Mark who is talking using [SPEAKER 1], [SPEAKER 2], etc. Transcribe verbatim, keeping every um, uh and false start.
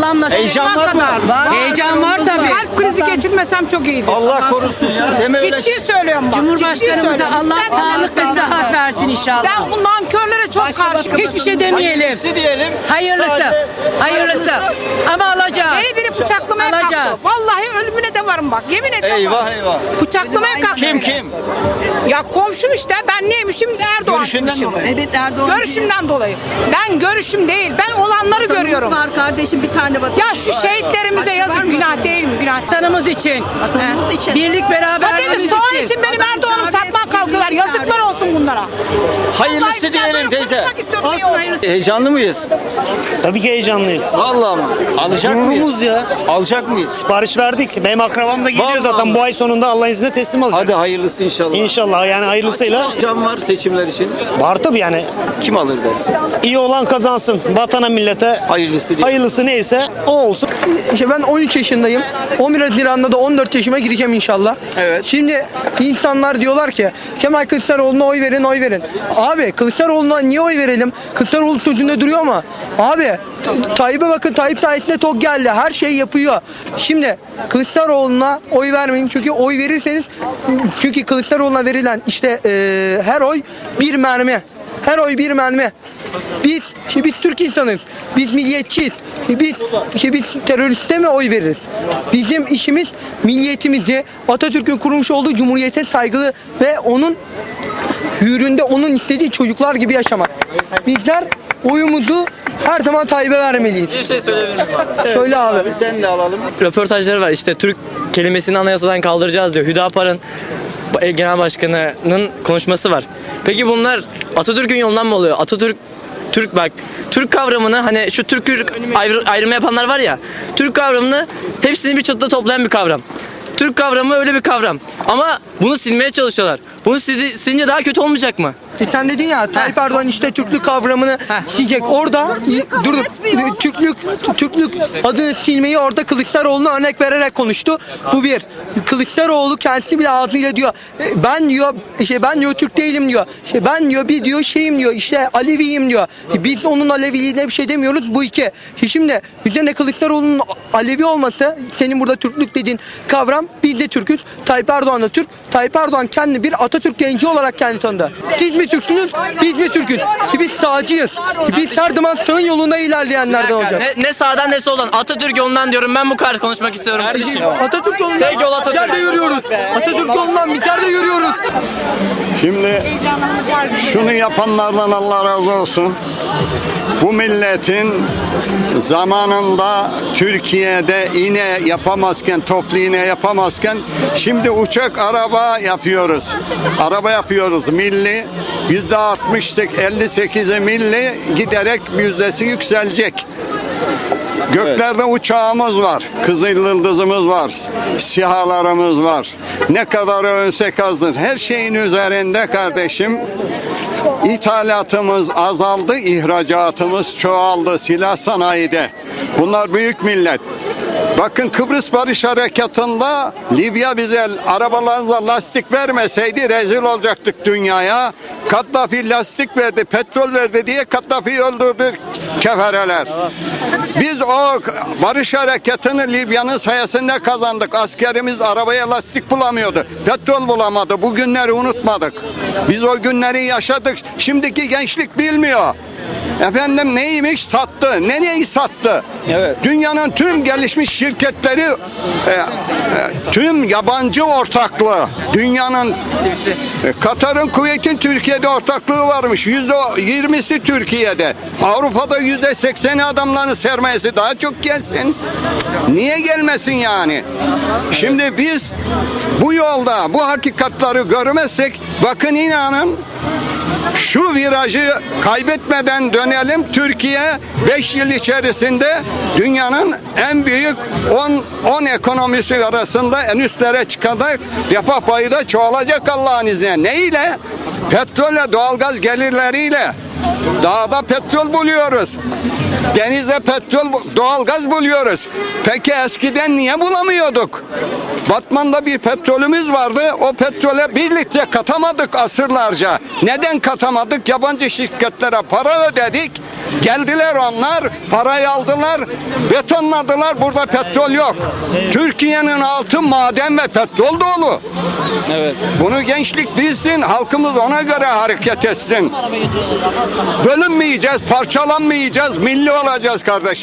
[SPEAKER 1] Allah'ım nasip.
[SPEAKER 2] Heyecan var mı?
[SPEAKER 1] Var. Heyecan var tabii.
[SPEAKER 3] Kalp krizi geçirmesem çok iyiydi.
[SPEAKER 2] Allah korusun ya. Deme öyle şey.
[SPEAKER 3] Ciddi söylüyorum bak.
[SPEAKER 1] Cumhurbaşkanımıza
[SPEAKER 3] söylüyorum.
[SPEAKER 1] Allah
[SPEAKER 3] İstersen
[SPEAKER 1] sağlık ve
[SPEAKER 3] Allah
[SPEAKER 1] sıhhat versin inşallah.
[SPEAKER 3] Ben bu nankörlere çok karşıyım.
[SPEAKER 1] Hiçbir şey demeyelim.
[SPEAKER 2] Hayırlısı diyelim.
[SPEAKER 1] Hayırlısı.
[SPEAKER 2] Sadece-
[SPEAKER 1] Hayırlısı. Ama alacağız.
[SPEAKER 3] Beni biri bıçaklamaya
[SPEAKER 1] Alacağız.
[SPEAKER 3] kalktı. Vallahi ölümüne de varım bak. Yemin ediyorum.
[SPEAKER 2] Eyvah eyvah.
[SPEAKER 3] Bıçaklamaya kalktı.
[SPEAKER 2] Kim kim?
[SPEAKER 3] Ya komşum işte. Ben neymişim? Erdoğan.
[SPEAKER 2] Görüşünden dolayı.
[SPEAKER 4] Evet Erdoğan.
[SPEAKER 3] Görüşümden dolayı. Ben görüşüm değil. Ben olanları görüyorum.
[SPEAKER 4] var kardeşim bir tane vatan.
[SPEAKER 3] Ya şu şehitlerimize yazık. Günah değil mi? Günah.
[SPEAKER 1] Vatanımız için.
[SPEAKER 4] Vatanımız için.
[SPEAKER 1] Birlik beraberliğimiz
[SPEAKER 3] Patates soğan
[SPEAKER 1] için.
[SPEAKER 3] için benim Erdoğan'ımı satmaya kalkıyorlar. Yazıklar olsun bunlara.
[SPEAKER 2] Hayırlısı
[SPEAKER 3] Vallahi ben
[SPEAKER 2] diyelim
[SPEAKER 3] böyle
[SPEAKER 2] teyze.
[SPEAKER 3] konuşmak istiyorum, iyi
[SPEAKER 1] Olsun
[SPEAKER 3] oldu.
[SPEAKER 1] hayırlısı.
[SPEAKER 2] Heyecanlı mıyız?
[SPEAKER 5] Tabii ki heyecanlıyız.
[SPEAKER 2] Vallahi mı? Alacak mıyız?
[SPEAKER 5] Gururumuz ya.
[SPEAKER 2] Alacak mıyız?
[SPEAKER 5] Sipariş verdik. Benim akrabam da geliyor
[SPEAKER 2] Vallahi
[SPEAKER 5] zaten
[SPEAKER 2] mi?
[SPEAKER 5] bu ay sonunda Allah'ın izniyle teslim alacak.
[SPEAKER 2] Hadi hayırlısı inşallah.
[SPEAKER 5] İnşallah yani hayırlısıyla.
[SPEAKER 2] Can var seçimler için.
[SPEAKER 5] Var tabii yani.
[SPEAKER 2] Kim alır dersin?
[SPEAKER 5] İyi olan kazansın. Vatana millete
[SPEAKER 2] Hayırlısı diyelim.
[SPEAKER 5] hayırlısı neyse o olsun.
[SPEAKER 6] İşte ben on üç yaşındayım. on bir Haziran'da da on dört yaşıma gireceğim inşallah.
[SPEAKER 2] Evet.
[SPEAKER 6] Şimdi insanlar diyorlar ki Kemal Kılıçdaroğlu'na oy verin, oy verin. Abi Kılıçdaroğlu'na niye oy verelim? Kılıçdaroğlu sözünde duruyor mu? Abi T- Tayyip'e bakın, Tayyip sayesinde tok geldi. Her şeyi yapıyor. Şimdi Kılıçdaroğlu'na oy vermeyin. Çünkü oy verirseniz, çünkü Kılıçdaroğlu'na verilen işte eee, her oy bir mermi. Her oy bir mermi. Biz, işte biz Türk insanız. Biz milliyetçiyiz. Biz, işte biz teröriste mi oy veririz? Bizim işimiz milliyetimizi, Atatürk'ün kurmuş olduğu cumhuriyete saygılı ve onun hüründe onun istediği çocuklar gibi yaşamak. Bizler oyumuzu her zaman Tayyip'e vermeliyiz.
[SPEAKER 7] Bir şey söyleyebilir miyim abi?
[SPEAKER 6] Söyle abi.
[SPEAKER 2] Abi sen de alalım.
[SPEAKER 7] Röportajları var işte Türk kelimesini anayasadan kaldıracağız diyor. Hüdapar'ın genel başkanının konuşması var. Peki bunlar Atatürk'ün yolundan mı oluyor? Atatürk Türk bak Türk kavramını hani şu Türk ayrı, ayrımı yapanlar var ya, Türk kavramını hepsini bir çatıda toplayan bir kavram. Türk kavramı öyle bir kavram. Ama bunu silmeye çalışıyorlar. Bunu sil- silince daha kötü olmayacak mı?
[SPEAKER 6] E sen dedin ya Tayyip Erdoğan işte Türklük kavramını diyecek. Orada dur Türklük Türklük adını silmeyi orada Kılıçdaroğlu'na örnek vererek konuştu. Bu bir. Kılıçdaroğlu kendisi bile ağzıyla diyor. e, Ben diyor işte ben diyor Türk değilim diyor. İşte ben diyor bir diyor şeyim diyor. İşte Aleviyim diyor. E, Biz onun Aleviliğine bir şey demiyoruz. Bu iki. E, Şimdi üzerine Kılıçdaroğlu'nun Alevi olması, senin burada Türklük dediğin kavram, biz de Türk'üz. Tayyip Erdoğan da Türk. Tayyip Erdoğan kendi bir Atatürk genci olarak kendi tanıdı. Siz mi Türksünüz? Biz mi Türk'üz? Biz sağcıyız. Biz her zaman sağın yolunda ilerleyenlerden olacak.
[SPEAKER 7] Ne, ne sağdan ne soldan. Atatürk yolundan diyorum. Ben bu kadar konuşmak istiyorum kardeşim.
[SPEAKER 6] Atatürk yolundan
[SPEAKER 7] Tek yol Atatürk.
[SPEAKER 6] bizler de yürüyoruz. Atatürk yolundan bizler de yürüyoruz.
[SPEAKER 8] Şimdi şunu yapanlardan Allah razı olsun. Bu milletin zamanında Türkiye'de iğne yapamazken, toplu iğne yapamazken şimdi uçak, araba yapıyoruz. Araba yapıyoruz milli. Yüzde altmış elli sekize milli, giderek yüzdesi yükselecek. Göklerde uçağımız var, Kızıl Yıldızımız var, SİHA'larımız var. Ne kadar övünsek azdır. Her şeyin üzerinde kardeşim. İthalatımız azaldı, ihracatımız çoğaldı silah sanayide. Bunlar büyük millet. Bakın Kıbrıs Barış Harekatı'nda Libya bize arabalarımıza lastik vermeseydi rezil olacaktık dünyaya. Kaddafi lastik verdi, petrol verdi diye Kaddafi'yi öldürdü kefereler. Biz o barış harekatını Libya'nın sayesinde kazandık. Askerimiz arabaya lastik bulamıyordu. Petrol bulamadı. Bu günleri unutmadık. Biz o günleri yaşadık. Şimdiki gençlik bilmiyor. Efendim neymiş? Sattı. Ne neyi sattı?
[SPEAKER 2] Evet.
[SPEAKER 8] Dünyanın tüm gelişmiş şirketleri e, e, tüm yabancı ortaklığı. Dünyanın e, Katar'ın, Kuveyt'in Türkiye'de ortaklığı varmış. Yüzde yirmisi Türkiye'de. Avrupa'da yüzde sekseni adamların sermayesi, daha çok gelsin. Niye gelmesin yani? Şimdi biz bu yolda bu hakikatları görmezsek, bakın inanın, şu virajı kaybetmeden dönelim. Türkiye beş yıl içerisinde dünyanın en büyük on ekonomisi arasında en üstlere çıkacak, refah payı da çoğalacak Allah'ın izniyle. Ne ile? Petrolle, doğalgaz gelirleriyle. Dağda petrol buluyoruz. Denizde petrol, doğalgaz buluyoruz. Peki eskiden niye bulamıyorduk? Batman'da bir petrolümüz vardı. O petrole bir litre katamadık asırlarca. Neden katamadık? Yabancı şirketlere para ödedik. Geldiler onlar, parayı aldılar, betonladılar. Burada petrol yok. Türkiye'nin altı maden ve petrol dolu.
[SPEAKER 2] Evet.
[SPEAKER 8] Bunu gençlik bilsin, halkımız ona göre hareket etsin. Bölünmeyeceğiz, parçalanmayacağız, milli olacağız kardeşim.